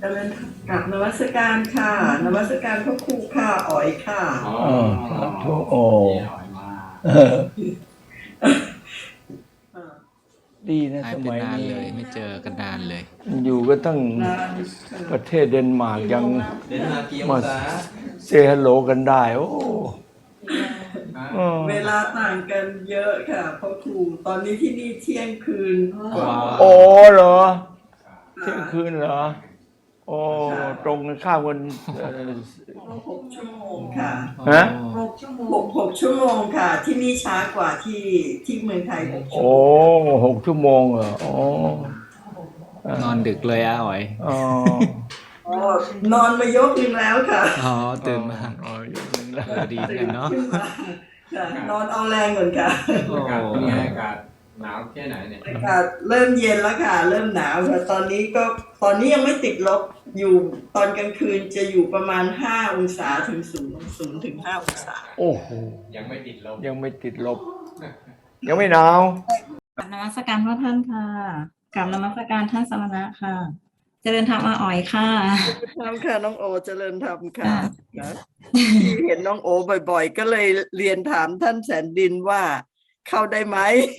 เจริญกราบนมัสการค่ะนมัสการพระครูค่ะอ๋อยค่ะอ๋อสาธุโอ้พี่หอยมาเออดีนะหายไปสมัยนานนี้เลยไม่เจอกันนานเลยอยู่ก็ตั้งนานประเทศเดนมาร์กยังเดินมากี่องมาศาเซฮัลโหลกันได้ โอ้เออเวลาต่างกันเยอะค่ะพระครูตอนนี้ที่นี่เที่ยงคืนกว่าโอ้เหรอเที่ยงคืนเหรอโอ้ตรงกันข้ามกัน 6 ชั่วโมงค่ะฮะ 6 ชั่วโมงค่ะ ที่นี่ช้ากว่าที่เมืองไทย6 ชั่วโอ้โมง 6 ชั่วโมงเหรอโอ้นอนดึกเลยอ๋อยอ๋ออ๋อนอนมายกนึงแล้วค่ะอ๋อตื่นมาอ๋ออย่างนั้นแล้วดีเหมือนกันเนาะขึ้นมาค่ะนอนเอาแรงเหมือนกันอากาศเป็นไงอากาศหนาวแค่ไหนเนี่ยอากาศเริ่มเย็นแล้วค่ะ เริ่มหนาวค่ะตอนนี้ยังไม่ติดลบอยู่ตอนกลางคืนจะอยู่ประมาณ5 องศาถึง0 ถึง 5 องศาโอ้โหยังไม่ติดลมยังไม่ติดลบ ยังไม่หนาวกราบนมัสการพระท่านค่ะกราบนมัสการท่านสมณะค่ะ เจริญธรรมอาอ๋อยค่ะทำค่ะน้องโอเจริญธรรมค่ะนะที่เห็นน้องโอบ่อยๆ ก็เลยเรียนถามท่านแสนดินว่าเข้าได้ไหม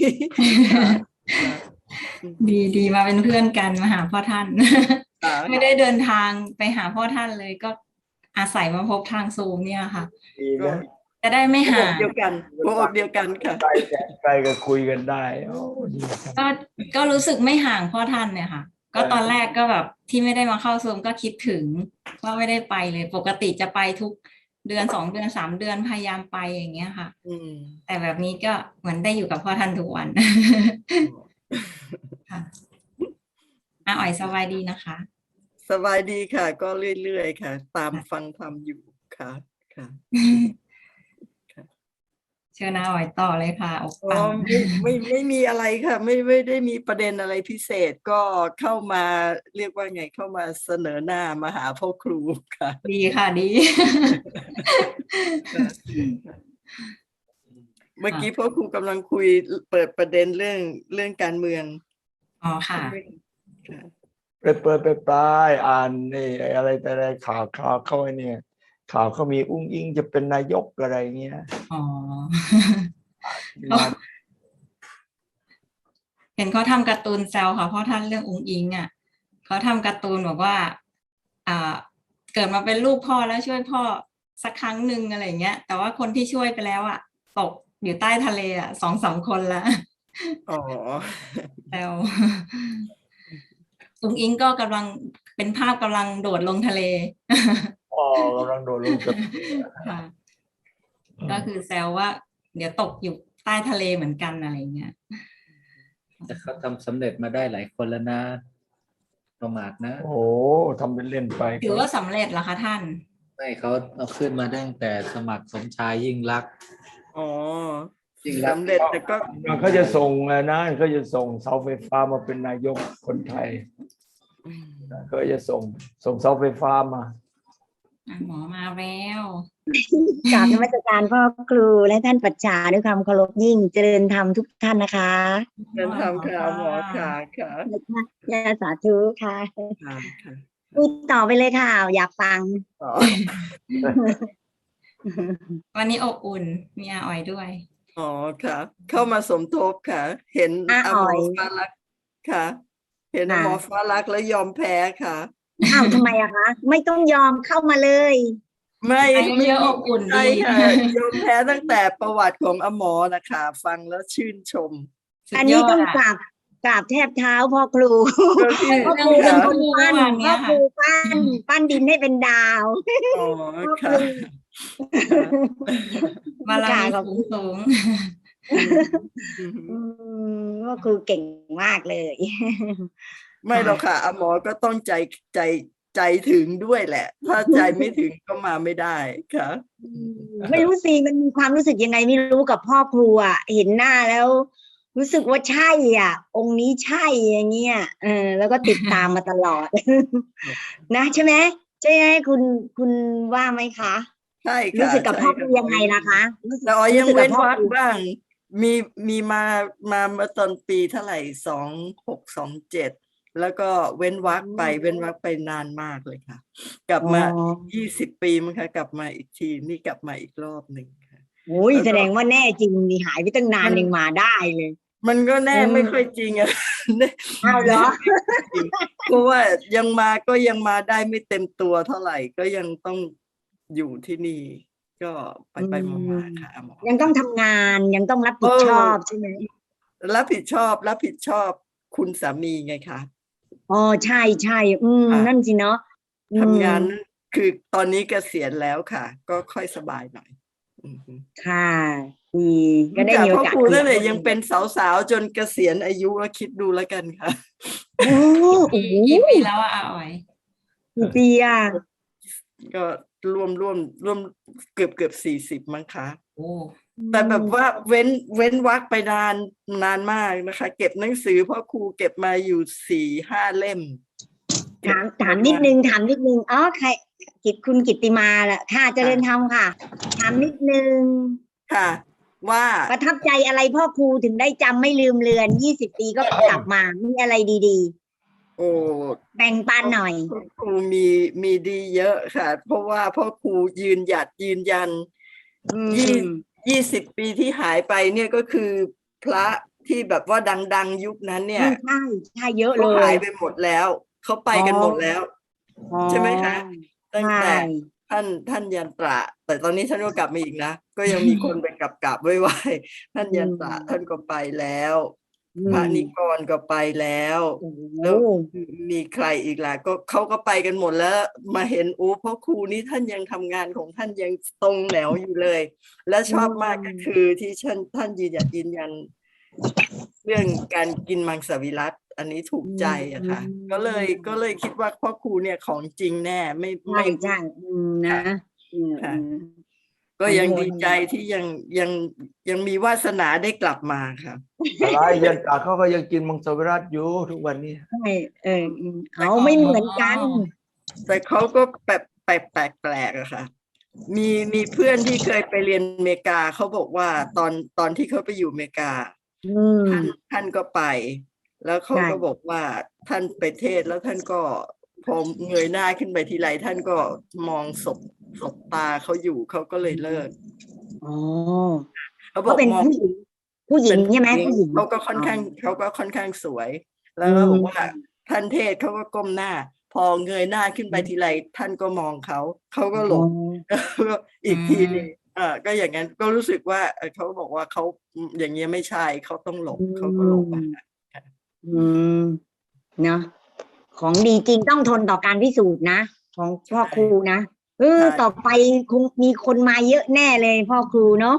ดีมาเป็นเพื่อนกันมาหาพ่อท่าน ไม่ได้เดินทางไปหาพ่อท่านเลยก็อาศัยมาพบทางซูมเนี่ยค่ะดีนะจะได้ไม่หัวห่าอกงเดียวกันหัวอกเดียวกันค่ะไกลแสนไกลก็คุยกันได้โอ้ดีครับก็รู้สึกไม่ห่างพ่อท่านเนี่ยค่ะ ก็ตอนแรกก็แบบที่ไม่ได้มาเข้าซูมก็คิดถึงว่าไม่ได้ไปเลย ปกติจะไปทุกเดือน2 เดือน3 เดือนพยายามไปอย่างเงี้ยค่ะอืมแต่แบบนี้ก็เหมือนได้อยู่กับพ่อท่านทุกวัน ค่ะอาอ๋อยสบายดีนะคะสบายดีค่ะ ก็เรื่อยๆค่ะ ตามฟังธรรมอยู่ค่ะค่ะเชิญอาอ๋อยต่อเลยค่ะออกอ๋อฟังไม่มีอะไรค่ะ ไม่ได้มีประเด็นอะไรพิเศษก็เข้ามาเรียกว่าไงเข้ามาเสนอหน้ามาหาพ่อครูค่ะดีค่ะดีเมื่อกี้พ่อครูกำลังคุยเปิดประเด็นเรื่องการเมืองอ๋อค่ะค่ะไปเปิดไปปลายอ่านนี่อะไรแต่อะไรข่าวเข้าไอ้เนี่ย ข่าวเขามีอุ้งอิงจะเป็นนายกอะไรเงี้ยอ๋อมาเห็นเขาทำการ์ตูนแซวค่ะเพราะท่านเรื่องอุงอิงอ่ะเขาทำการ์ตูนบอกว่า เกิดมาเป็นลูกพ่อแล้วช่วยพ่อสักครั้งหนึ่งอะไรเงี้ย แต่ว่าคนที่ช่วยไปแล้วอ่ะตกอยู่ใต้ทะเลอ่ะ2-3 คนละอ๋อแซวอุงอิงก็กำลังเป็นภาพกำลังโดดลงทะเลอ๋อกำลังโดดลงกับค่ะ ก็คือแซวว่า เดี๋ยวตกอยู่ใต้ทะเลเหมือนกันอะไรเงี้ยแต่เขาทำสำเร็จมาได้หลายคนแล้วนะ ประมาทนะโอ้โหทำเป็นเล่นไปถือว่าสำเร็จเหรอคะท่านไม่เขาเอาขึ้นมาตั้งแต่สมัครสมชายยิ่งลักษณ์อ๋อจริงแล้วสำเร็จแต่ก็เขาจะส่งนะเขาจะส่งเสาไฟฟ้ามาเป็นนายกคนไทยเขาจะส่งเสาไฟฟ้ามาหมอมาแล้วกราบนมัสการพ่อครูและท่านปัจฉาด้วยความเคารพยิ่งเจริญธรรมทุกท่านนะคะเดินทำค่ะหมอค่ะค่ะยาสาธุค่ะค่ะค่ะพูดต่อไปเลยค่ะ อยากฟังอ๋อวันนี้อบอุ่นมีอาอ๋อยด้วยอ๋อค่ะ เข้ามาสมทบค่ะ เห็นอาหอ๋มอยอฟ้ารักค่ะ เห็นค่ะหมอฟ้ารักแล้วยอมแพ้ค่ะอ้าวทำไมอะคะ ไม่ต้องยอมเข้ามาเลยไม่ไปเยอะๆอบอุ่นดีใช่ค่ะยอมแพ้ตั้งแต่ประวัติของอหมอนะคะฟังแล้วชื่นชมสุดอันยนี้อดต้องอะกราบแทบเท้าพ่อครูก็ที่พ่อครูเป็นคนปั้นเรื่องเมื่อวานเนี้พ่อย คค่ะรูปั้นดินให้เป็นดาวอ๋อพ่อคค่ะรูบารมีขอบคุณสูงพ่อครูเก่งมากเลยไม่หรอกค่ะอหมอก็ต้องใจถึงด้วยแหละ ถ้าใจไม่ถึงก็มาไม่ได้ค่ะไม่รู้สิมันมีความรู้สึกยังไงไม่รู้กับพ่อครูอ่ะเห็นหน้าแล้ว รู้สึกว่าใช่อ่ะ องค์นี้ใช่อย่างเงี้ยแล้วก็ติดตามมาตลอด นะใช่ไหมใช่ไหมคุณว่าไหมคะใช่ค่ะรู้สึกกับพ่อครูใช่ยังไงล่ะคะรู้สึกแต่อ๋อยังรู้สึกเว้กับนพ่อวักครูบ้าง มีมาเมื่อตอนปีเท่าไหร่2627 แล้วก็เว้นวรรคไปนานมากเลยค่ะ กลับมาอ๋อ 20 ปีมั้งคะกลับมาอีกทีนี่กลับมาอีกรอบหนึ่งค่ะโอ้ยแล้วก็แสดงว่าแน่จริงนี่หายไปตั้งนานยังมาได้เลยมันก็แน่ไม่ค่อยจริงอะอ้าวเหรอเพราะว่ายังมาได้ไม่เต็มตัวเท่าไหร่ก็ยังต้องอยู่ที่นี่ ก็ไปมาๆค่ะหมอยังต้องทำงานยังต้องรับผิดชอบใช่ไหมรับผิดชอบคุณสามีไงคะอ๋อใช่ใช่ค่ะนั่นสิเนาะทำงานคือตอนนี้เกษียณแล้วค่ะ ก็ค่อยสบายหน่อยอือฮึค่ะดีก็ได้จากมีโอพ่อกาสครูคุยนั่นแหละกับยังเป็นสาวๆจนเกษียณอายุแล้วคิดดูแล้วกันค่ะโอ้โหกี่ปีแล้วอะอาอ๋อยกี่ปีอ่ะก็รวมเกือบ40มั้งคะโอ้แต่แบบว่าเว้นวรรคไปนานมากนะคะ เก็บหนังสือพ่อครูเก็บมาอยู่4-5 เล่มถามนิดนึงอ๋อใครคุณกิตติมาแหละค่ะเจริญธรรมค่ะ ถามนิดนึงค่ะ ว่าประทับใจอะไรพ่อครูถึงได้จำไม่ลืมเลือน20 ปีก็กลับมามีอะไรดีโอ้ๆ แบ่งปันหน่อยพ่อครูมีดีเยอะค่ะ เพราะว่าพ่อครูยืนยัน 20 ปีที่หายไปเนี่ยก็คือพระที่แบบว่าดังๆยุคนั้นเนี่ยใช่เยอะเลเขาหาย ยไปหมดแล้วเขาไปกันหมดแล้วอ๋อใช่ไหมคะ ตั้งแต่ใช่ท่านยันตระ แต่ตอนนี้ท่านก็กลับมาอีกนะ ก็ยังมีคนไปกลับไหว้ท่านยันตระท่านก็ไปแล้ว พระนิกรก็ไปแล้วโอ้โหแล้วมีใครอีกล่ะก็เขาก็ไปกันหมดแล้วมาเห็นพ่อครูนี่ท่านยังทำงานของท่านยังตรงแหนวอยู่เลย และชอบมากก็คือที่ท่านยืนยันเรื่องการกินมังสวิรัติอันนี้ถูกใจอะค่ะ ก็เลยคิดว่าพ่อครูเนี่ยของจริงแน่ไม่ใช่นะค่ะ ก็ยังดีใจที่ยังมีวาสนาได้กลับมาค่ะอะไรยันตาเขาก็ยังกินมังสวิรัติอยู่ทุกวันนี้ใช่เอาไม่เหมือนกันแต่เขาก็แบบแปลกอะค่ะ มีเพื่อนที่เคยไปเรียนอเมริกาเขาบอกว่าตอนที่เขาไปอยู่อเมริกาท่านก็ไป แล้วเขาก็บอกว่าท่านไปเทศน์แล้วท่านก็พอเงยหน้าขึ้นไปทีไรท่านก็มองศพตาเขาอยู่เขาก็เลยเลิกอ๋อเขาบก็อกเป็นมองผู้หญิงใช่ไหมผู้หญิงเขาก็ค่อนข้างสวย แล้วก็บอกว่าท่านเทศเขาก็ก้มหน้า พอเงยหน้าขึ้นไปทีไรท่านก็มองเขาก็หลบก็อีกทีนึงก็อย่างนั้นก็รู้สึกว่าเขาบอกว่าเขาอย่างเงี้ยไม่ใช่เขาต้องหลบเขาก็หลบเนาะของดีจริงต้องทนต่อการพิสูจน์นะของพ่อครูนะต่อไปคงมีคนมาเยอะแน่เลยพ่อครูเนาะ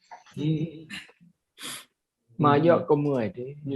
มาเยอะก็เมื่อยที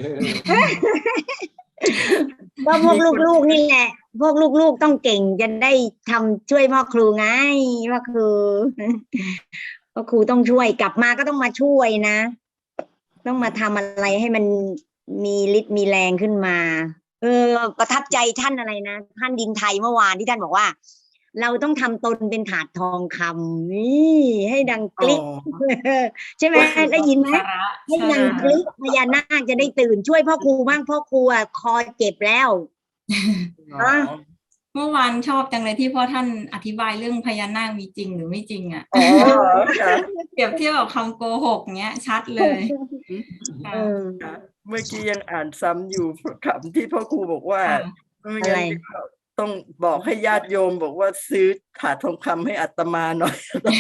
ก็พวกลูกๆนี่แหละ พวกลูกๆต้องเก่งจะได้ทำช่วยพ่อครูไงพ่อครูต้องช่วยกลับมาก็ต้องมาช่วยนะ ต้องมาทำอะไรให้มันมีฤทธิ์มีแรงขึ้นมาประทับใจท่านอะไรนะท่านดินไทยเมื่อวานที่ท่านบอกว่า เราต้องทำตนเป็นถาดทองคำนี่ให้ดังกลิ๊กใช่ไหมได้ยินไหมให้ดังกลิ๊กพญานาคจะได้ตื่นช่วยพ่อครูบ้างพ่อครูคอเจ็บแล้วเมื่อวานชอบจังเลยที่พ่อท่านอธิบายเรื่องพญานาคมีจริงหรือไม่จริงอ่ะเปรียบเทียบกับคำโกหกเนี้ยชัดเลยเมื่อกี้ยังอ่านซ้ำอยู่คำที่พ่อครูบอกว่าอะไรต้องบอกให้ญาติโยมบอกว่าซื้อถาดทองคำให้อัตมาหน่อย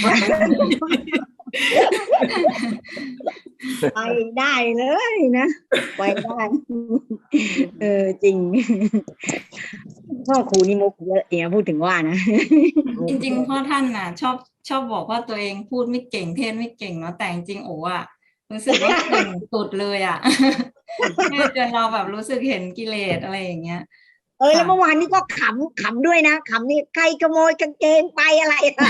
ไปได้เลยนะไปได้จริงพ่อครูนี่มุกเยอะอย่างพูดถึงว่านะจริงๆพ่อท่านน่ะชอบบอกว่าตัวเองพูดไม่เก่งเทศไม่เก่งเนาะแต่จริงโอ้อะรู้สึกว่าเก่งสุดเลยอ่ะจนเราแบบรู้สึกเห็นกิเลสอะไรอย่างเงี้ยแล้วเมื่อวานนี้ก็ขำด้วยนะขำนี่ใครขโมยกางเกงไปอะไรอ่ะ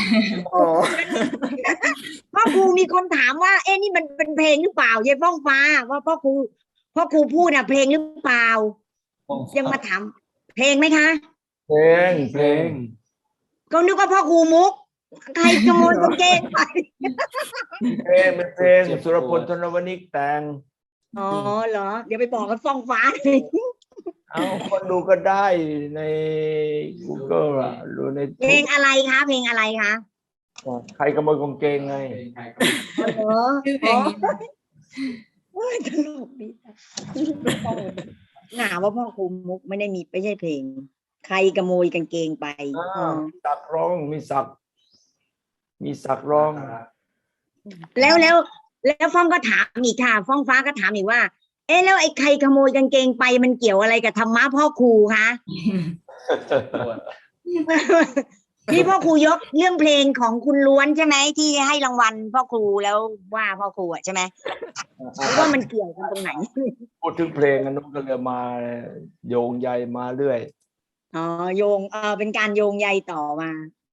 พ่อครูมีคนถามว่านี่มันเป็นเพลงหรือเปล่ายายฟ้องฟ้าว่าพ่อครูพูดเพลงหรือเปล่ายังมาถามเพลงไหมคะเพลงก็นึกว่าพ่อครูมุกใครขโมยกางเกงไปเป็นเพลงสุรพลธนวณิกแต่งอ๋อเหรอเดี๋ยวไปบอกกับฟ้องฟ้าเลยเอาคนดูก็ได้ใน Google อ่ะดูในเพลงอะไรคะเพลงอะไรคะใครขโมยกางเกงไงเป็นใครก็เหรอชื่อเพลงนี้โอ้ยตลกดีหาว่าพ่อครูมุกไม่ได้มีไม่ใช่เพลง ใครขโมยกางเกงไปสักร้องมีสักร้องแล้วฟ้องก็ถามอีกค่ะฟ้องฟ้าก็ถามอีกว่า เอ๊ะแล้วไอ้ใครขโมยกางเกงไปมันเกี่ยวอะไรกับธรรมะพ่อครูคะ ที่พ่อครูยกเรื่องเพลงของคุณล้วนใช่ไหมที่ให้รางวัลพ่อครูแล้วว่าพ่อครูอ่ะใช่ไหมว่ามันเกี่ยวกันตรงไหนพูดถึงเพลงอันนู้นก็เลยมาโยงใยมาเรื่อยอ๋อโยงเป็นการโยงใยต่อมา